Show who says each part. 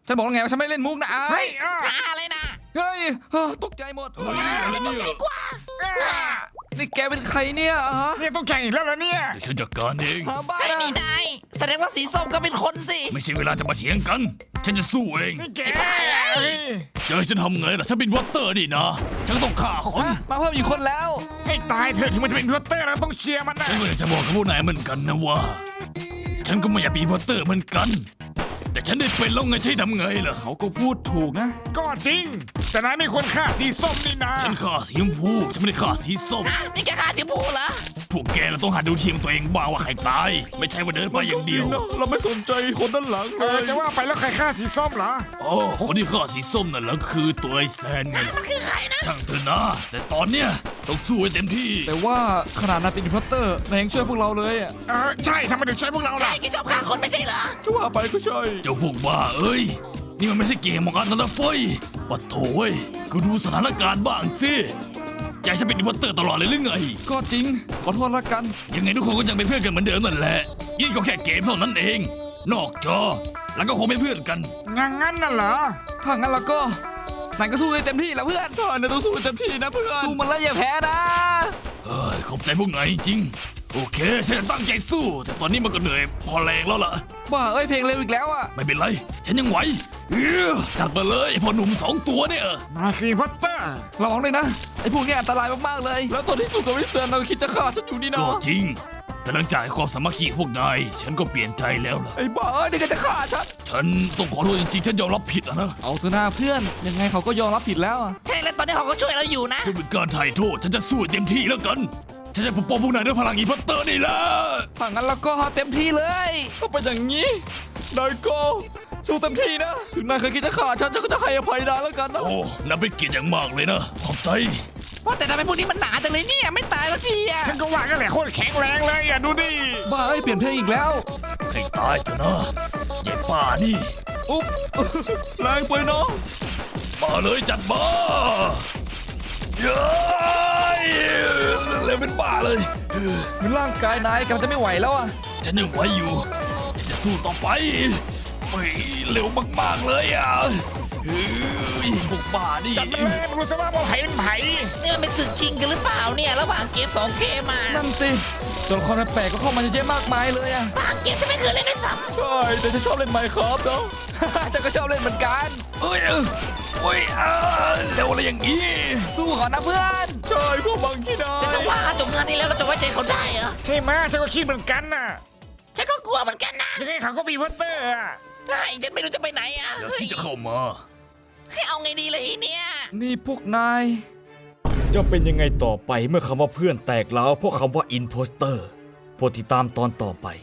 Speaker 1: ฉันบอกแล้วไงว่าฉันไม่เล่นมุกนะไอ้
Speaker 2: อะไรนะ
Speaker 1: เฮ้ยตกใจหมด
Speaker 2: อะไรเนี่ย
Speaker 1: นี่แกเป็นใครเนี่ยฮะ
Speaker 3: เนี่ยต้องแข่งอีกแล้วเหรอเนี่ย
Speaker 4: เดี๋ยวฉันจัดการเอง
Speaker 1: หาบ้า
Speaker 2: ไอ้นี่นายแสดงว่าสีส้มก็เป็นคนสิ
Speaker 4: ไม่ใช่เวลาจะมาเถียงกันฉันจะสู้เอง
Speaker 3: นี่แก
Speaker 4: เจอฉันทำไงล่ะฉันเป็นวอเตอร์นี่นะฉันต้องฆ่าคน
Speaker 1: มาเพิ่มอีกคนแล้ว
Speaker 3: ให้ตายเถอะถึงมันจะเป็นวอเตอร์เราต้องเชียร์มันนะ
Speaker 4: ฉันก็อยากจะบอกกับพวกนายเหมือนกันนะว่าฉันก็ไม่อยากเป็นวอเตอร์เหมือนกันแต่ฉันได้เป็นแล้วไงใช่ทำไงล่ะ
Speaker 1: เขาก็พูดถูกนะ
Speaker 3: ก็จริงแต่นายไม่ควรฆ่าสีส้มนี่นะ
Speaker 4: ฉันฆ่าสีชมพูฉันไม่ได้ฆ่าสีส้ม
Speaker 2: นี่แกฆ่าสีชมพูเหรอ
Speaker 4: พวกแกเราต้องหัดดูทีมตัวเองบ้างว่าใครตายไม่ใช่ว่าเดินไปอย่างเดียว
Speaker 1: เราไม่สนใจคนด้านหลังเลย
Speaker 3: จะว่าไปแล้วใครฆ่าสีส้มเหรอ
Speaker 4: โอ้คนที่ฆ่าสีส้มนั่นแหละคือตัวไอ้แซนไง
Speaker 2: มันคือใครนะ
Speaker 4: ช่างเถอะนะแต่ตอนเนี้ยต้องสู้ให้เต็มที่
Speaker 1: แต่ว่าขนาดนายเป็นอินพัตเตอร์นายยังช่วยพวกเราเลยอ่ะ
Speaker 3: ใช่ทำไมถึงใช้พวกเราล่ะ
Speaker 2: ใช่แกชอบฆ่าคนไม่ใช่เหรอ
Speaker 1: จะว่าไปก็ใช่
Speaker 4: เจ้าพวกบ้าเอ้ยนี่มันไม่ใช่เกมของกันนะเฟ้ยปัดโถเว้ยก็ดูสถานการณ์บ้างสิใจฉันเป็นอินพัตเตอร์ตลอดเลยหรือไง
Speaker 1: ก็จริงขอโทษละกัน
Speaker 4: ยังไงทุกคนก็ยังเป็นเพื่อนกันเหมือนเดิมนั่นแหละนี่ก็แค่เกมเท่านั้นเอง นอกจอแล้วก็คงเป็นเพื่อนกัน
Speaker 3: งั้นน่ะเหรอ
Speaker 1: ถ้างั้นเราก็นายก็สู้ให้เต็มที่แหละเพื่อนนายต้องสู้ให้เต็มที่นะเพื่อนสู้มันแล้วอย่าแพ้นะ
Speaker 4: เฮ้ยขอบใจพวกนายจริงโอเคฉันจะตั้งใจสู้ แต่ตอนนี้มันก็เหนื่อยพอแรงแล้วล่ะ
Speaker 1: บ้าเอ้ยเพลงเร็วอีกแล้วอ่ะ
Speaker 4: ไม่เป็นไรฉันยังไหวจัดมาเลยพอหนุ่ม2 ตัวเนี่ย
Speaker 3: นายคือวอเตอร์
Speaker 1: ระวังเลยนะไอ้พวกนี้อันตรายมากๆเลย แล้วตอนที่สู้กับวิเซนเราคิดจะฆ่าฉันอยู่นี่
Speaker 4: ก็
Speaker 1: นะ
Speaker 4: จริงแต่หลังจากความสามัคคีของพวกนายฉันก็เปลี่ยนใจแล้วล่ะ
Speaker 1: ไอ้บ้าเอ้ยนี่ก็จะฆ่าฉัน
Speaker 4: ฉันต้องขอโทษจริงๆฉันยอมรับผิดอะนะ
Speaker 1: เอาเถอะหน้าเพื่อนยังไงเขาก็ยอมรับผิดแล้วอะ
Speaker 2: ใช่แล้วตอนนี้เขาก็ช่วยเราอยู่นะ
Speaker 4: เพื่อเป็นการไถ่โทษฉันจะสู้ให้เต็มที่แล้วกันฉันจะปกป้องพวกนายด้วยพลังอีพัตเตอร์นี่แหละ
Speaker 1: ถ้างั้นเราก็เต็มที่เลยถ้าเป็นอย่างนี้นายก็สู้เต็มที่นะถึงนายเคยคิดจะฆ่าฉันก็จะให้อภัยนายแล้วกันนะ
Speaker 4: โอ้นับเป็นเกียรติอย่างมากเลยนะขอบใจ
Speaker 2: ว่าแต่ทำไมพวกนี้มันหนาจังเลยเนี่ยไม่ตายสักทีอ่ะ
Speaker 3: ฉันก็ว่ากันแหละโคตรแข็งแรงเลยดูดิ
Speaker 1: บ้าเอ้ยเปลี่ยนเพลงอีกแล้ว
Speaker 4: ให้ตายเถอะนะยายป้านี่
Speaker 1: อุ๊บ แรงไปเนาะ
Speaker 4: มาเลยจัดมาเย้ยเร็วเป็นบ้าเลย
Speaker 1: ร่างกายนายกำลังจะไม่ไหวแล้วอะ
Speaker 4: ฉันยังไหวอยู่ฉันจะสู้ต่อไปเฮ้ยเร็วมากๆเลยอ่ะเฮ้ยพวกบ้านี่
Speaker 3: จัดมาเลยรู้ซะว่าไผ่เป็นไผ่
Speaker 2: นี่มันเป็นศึกจริงกันหรือเปล่าเนี่ยระหว่างเกม2 เกมมา
Speaker 1: นั่นสิตัวละครแปลกๆก็เข้ามาเยอะแยะมากมายเลยอะ
Speaker 2: บางเกมจะไม่เคยเล่นด้วยซ้ำ
Speaker 1: ใช่แต่ฉันชอบเล่นไมค์ครับเนาะ ฉันก็ชอบเล่นเหมือนกัน
Speaker 4: เอ้ยโอ้ยเร็วอะไรอย่างนี้
Speaker 1: สู้ก่อนนะเพื่อนใช่พวกบางที่ได้
Speaker 2: แต่ถ้าว่าจบงานนี้แล้วเราจะไว้ใจเขาได้เหรอ
Speaker 3: ใช่ไหมฉันก็คิดเหมือนกันน่ะ
Speaker 2: ฉันก็กลัวเหมือนกันนะ
Speaker 3: ยังไงเขาก็มีวอเตอร์อะ
Speaker 2: ใช่ฉันไม่รู้จะไปไหนอ่ะ
Speaker 4: อย่าที่จะเข้ามา
Speaker 2: ให้เอาไงดีเลยทีเนี้ย
Speaker 1: นี่พวกนาย
Speaker 5: จะเป็นยังไงต่อไปเมื่อคำว่าเพื่อนแตกร้าวเพราะคำว่าอินโพสเตอร์โปรดติดตามตอนต่อไป